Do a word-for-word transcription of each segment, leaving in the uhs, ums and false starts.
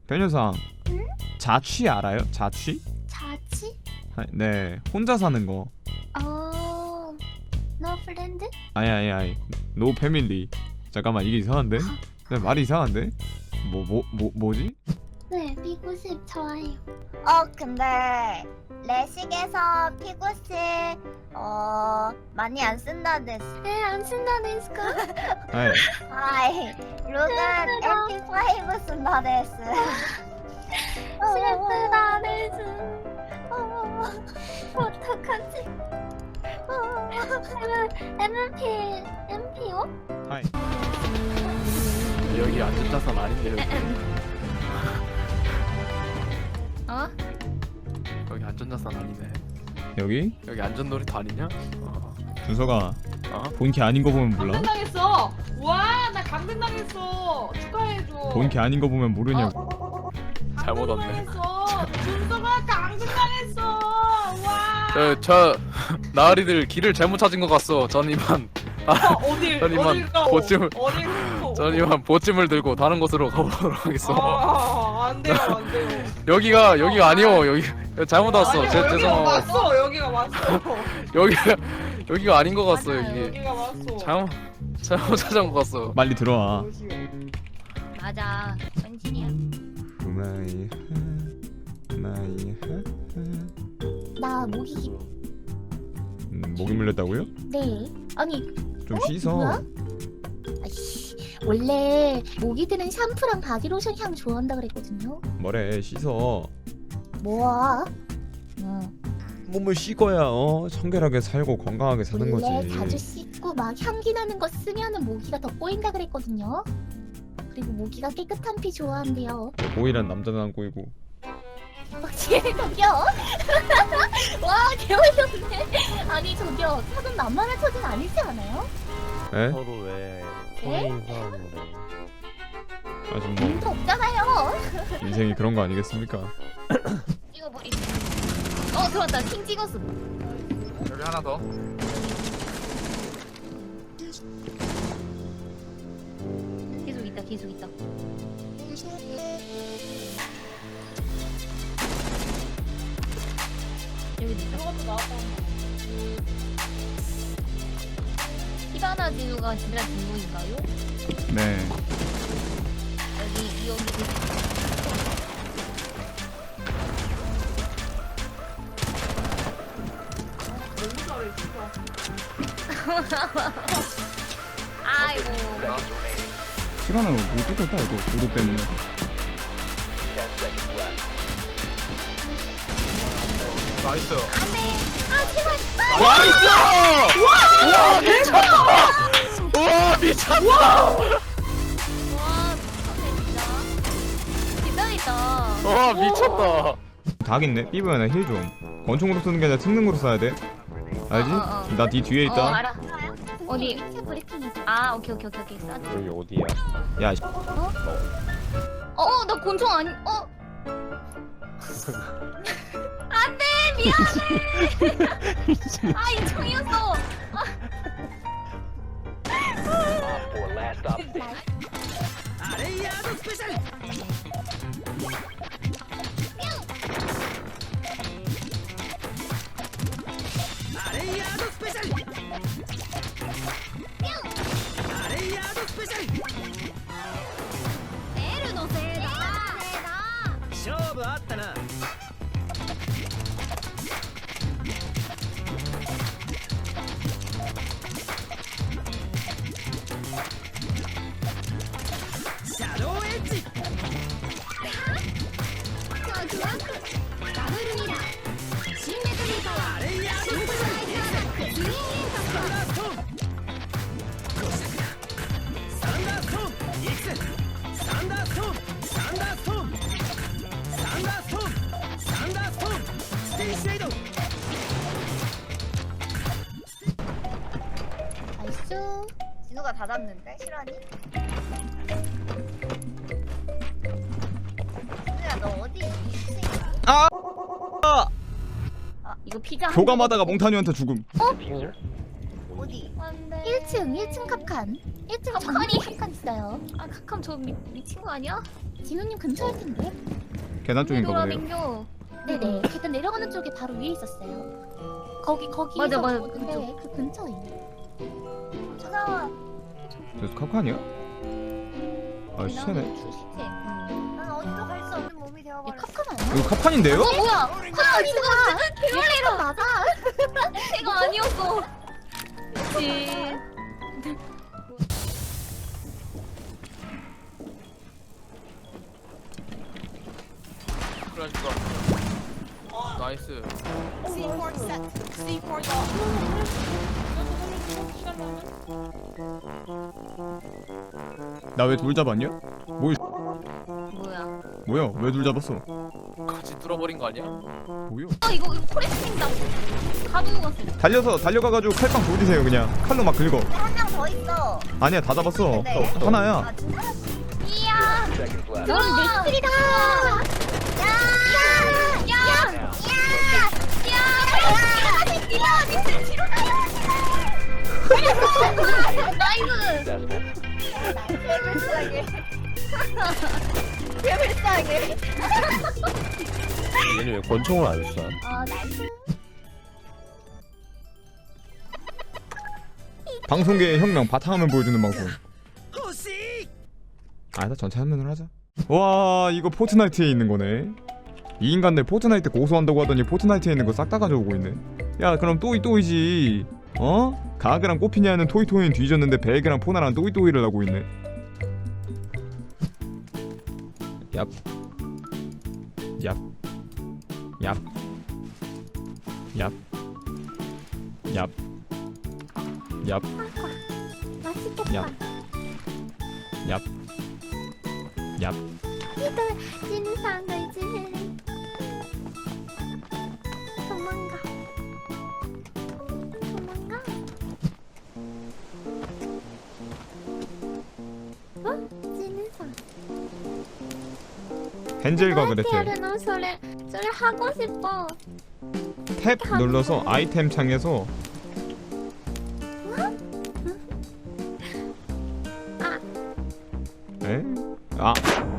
변호사. 응? 자취 알아요? 자취? 자취? 아, 네, 혼자 사는 거. 어... 너 프렌드? 아니 아니 아니. 노 패밀리. 잠깐만, 이게 이상한데? 네, 말이 이상한데? 뭐 뭐 뭐 뭐지? 네, 피구십 좋아해요. 어 근데 레식에서 피구실 어 많이 안 쓴다 데스. 네, 안 쓴다 데스까? 아이, 아이 룩은 엠피 오 쓴다 데스. 슬프다 데스. 어, 어떡하지? 엠피... 엠피오? 하이. 여기 안전자산 아닌데 여기. 어? 여기 안전자산 아니네. 여기? 여기 안전놀이터 아니냐? 어. 준서가 어? 본캐 아닌 거 보면 몰라? 강등당했어. 와, 나 강등당했어. 축하해줘. 본캐 아닌 거 보면 모르냐고. 잘못 왔네. 강등당했어. 준서가 강등당했어. 와. 저, 저 나으리들 길을 잘못 찾은 것 같소. 전 이만 어, 어딜 전 이만 어딜 가고? 보찜을 어딜 가고? 전 이만 보찜을 들고 다른 곳으로 가보도록 하겠어. 아, 안 돼요, 안 돼요. 여기가 여기가 아니오. 여기 잘못 왔어. 아니요, 제 여기가 죄송하고 왔어. 여기가 왔어. 여기가 여기가 아닌 것 같어. 맞아요, 여기 여기가 왔어. 잘못 잘못 찾은 것 같어. 빨리 들어와. 맞아, 전진이야. 마이 마이 나 모기... 음, 목이 물렸다고요? 네. 아니, 좀 어? 씻어. 뭐야? 아이씨, 원래 모기들은 샴푸랑 바디로션 향 좋아한다 그랬거든요. 뭐래, 씻어. 뭐야? 응. 몸을 씻어야 어 청결하게 살고 건강하게 사는 원래 거지. 자주 씻고 막 향기 나는 거 쓰면은 모기가 더 꼬인다 그랬거든요. 그리고 모기가 깨끗한 피 좋아한대요. 오이란 남자는 안 꼬이고. 확실히 저기요. 와, 개어이없네. 아니 저기요, 사돈 만만한 처진 아니지 않아요? 에? 서로 왜 네? 성인 사람으로 아좀 뭐 의미가 없잖아요. 인생이 그런 거 아니겠습니까? 찍어버리. 어, 들어왔다. 킹 찍었어. 여기 하나 더. 계속 있다, 계속 있다. 여기 있다. 저것도 나왔다. 히바나 진우가 진짜 진우인가요? 네. 여기 여기 계속 있다. 너무 잘해, 진짜. 아이고. 시간을 못 뜯었다 이거 도로 때문에. 나이스. 안돼. 아 제발. 나이스! 와 미쳤다! 와 미쳤다! 와 미쳤네 진짜. 대단했다. 와 미쳤다! 닭 있네. 삐부야 힐 좀. 권총으로 쓰는 게 아니라 특능으로 써야 돼. 알지? 어, 어, 어. 나 뒤 뒤에 어 있다. 알아. 어디? 위치 브리핑. 아 오케이 오케이 오케이 오케이. 싸. 여기 어디야? 야, 씨. 어, 나 곤충 아니. 어. 안돼 미안해. 아 인청이었어. 내를 놓세다. 勝負あったな。シャドウエッジ。 ダブルミラー。シンメトリーパワー。 あれやシンプルライズアタック。ツインインパクト。 サンダーストーン。五尺だ。サンダーストーン。いくつ。サンダーストーン。サンダーストーン。サンダーストーン。サンダーストーン。ステイシェイド。 나이스. 진우가 다 잡는데 실화니? 진우야 너 어디 있지? 아! 이거 피자. 한 교감하다가 몽타뉴한테 죽음. 어디? 안돼. 층 일 층 캅칸 일 층 캅칸이? 전문에 캅칸 있어요. 아 카캄 저 미, 미친 거 아니야? 진우님 근처일 텐데. 계단 쪽인가 보네요. 돌아댕겨. 네네. 계단 내려가는 쪽에 바로 위에 있었어요. 거기 거기 맞아, 맞아, 근데 그쪽. 그 근처에. 무서워. 저 카카니야? 아 시체네. 주시체. 난 어디도 갈 수 없는 몸이 얘 되어버렸어. 캅칸 아니야? 이거 카판인데요? 어 뭐야? 아 이거 얘 맞아. 제가 아니었어. 그치. 그러니까. 나이스. 나 왜 돌 잡았냐? 뭐 뭐야? 뭐야? 왜 돌 잡았어? 같이 뚫어버린 거 아니야? 뭐요? 아 이거 이거 코레스팅다. 가두고 갔어. 달려서 달려가가지고 칼빵 조지세요 그냥. 칼로 막 긁어. 한 명 더 있어. 아니야 다 잡았어. 네. 하나야. 아 진짜? 이야. 넌 넥슬이다. 야. 야. 나이스. 개불쌍해. 개불쌍해. 얘는 왜 권총을 안 쏴? 어 나이스. 방송계의 혁명 바탕화면 보여주는 방송. 아니다 전체 화면으로 하자. 와 이거 포트나이트에 있는 거네. 이 인간들 포트나이트 고소한다고 하더니 포트나이트에 있는 거 싹 다 가져오고 있네. 야 그럼 또이 또이지. 어? 가그랑 꼬피냐는 토이토이는 뒤졌는데 베개랑 포나랑 또이또이를 하고 있네. 얍. 얍. 얍. 얍. 얍. 얍. 맛있겠다. 얍. 얍. 얍. 이들 진상을 지는 도망가. 도망가. 어? 진상. 헨젤과 그레텔. 하려나 소리 소리 하고 싶어. 탭 눌러서 아이템 창에서 에? 아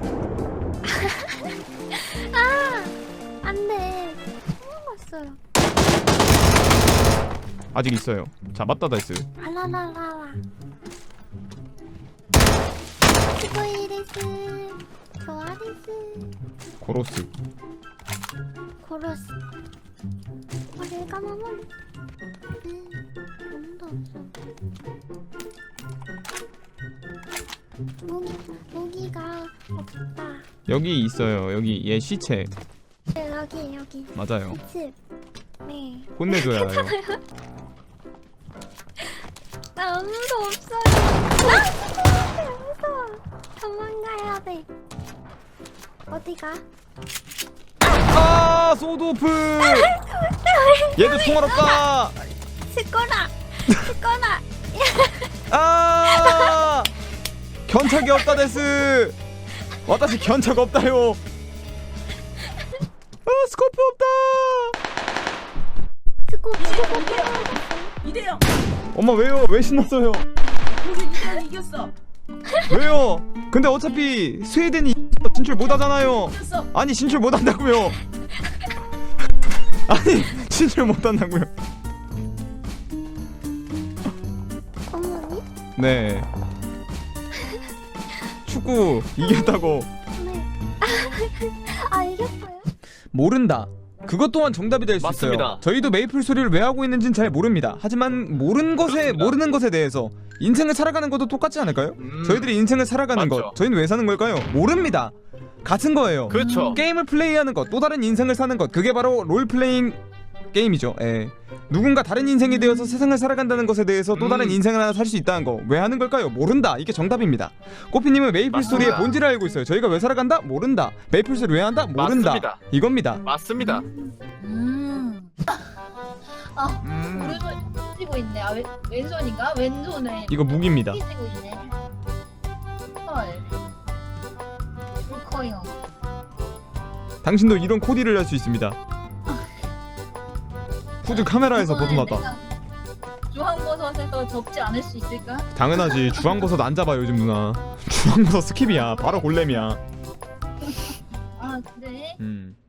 안돼. 먹었어요. 아직 있어요. 잡았다 다이스. 알라라라라. 스코이리스. 조아리스. 고로스. 고로스. 머리를 감아버려. 음, 아무도 없어. 무기, 무기가 없다. 여기 있어요. 여기 얘 시체. 네, 여기, 여기. 맞아요. 집. 네. 혼내줘야 해요. 나 아무도 없어요. 아, 무서워. 도망가야 돼. 어디가? 아 소드오프. 얘도 총알 없다. 스코라. 스코라. 아 견착이 없다 데스. 와다시 견착 없다요. 아 스코프 없다. 스코, 스코. 이대요. 엄마 왜요? 왜 신났어요? 그래서 이대요 이겼어. 왜요? 근데 어차피 스웨덴이 진출 못하잖아요. 이겼어. 아니 진출 못한다고요. 아니 진출 못한다고요. 어머니? 네. 축구 이겼다고. 네. 아, 이겼어요? 모른다. 그것 또한 정답이 될 수 맞습니다. 있어요. 저희도 메이플 소리를 왜 하고 있는지는 잘 모릅니다. 하지만 모르는 것에 그렇습니다. 모르는 것에 대해서 인생을 살아가는 것도 똑같지 않을까요? 음, 저희들이 인생을 살아가는 맞죠. 것, 저희는 왜 사는 걸까요? 모릅니다. 같은 거예요. 그렇죠. 게임을 플레이하는 것, 또 다른 인생을 사는 것, 그게 바로 롤플레잉 게임이죠. 예. 누군가 다른 인생이 되어서 세상을 살아간다는 것에 대해서 또 다른 음. 인생을 하나 살 수 있다는 거 왜 하는 걸까요? 모른다. 이게 정답입니다. 꼬피님은 메이플 맞습니다. 스토리의 본질을 알고 있어요. 저희가 왜 살아간다? 모른다. 메이플 스토리 왜 한다? 모른다. 맞습니다. 이겁니다. 맞습니다. 음. 아 음. 오른손 쥐고 있네. 아 왼, 왼손인가? 왼손을 이거 무기입니다. 쥐고 있네. 헐. 커요. 당신도 이런 코디를 할 수 있습니다. 후드 카메라에서 벗어났다. 주황버섯에서 더 접지 않을 수 있을까? 당연하지. 주황버섯 안 잡아 요즘 누나. 주황버섯 스킵이야. 바로 골렘이야. 아 그래? 음.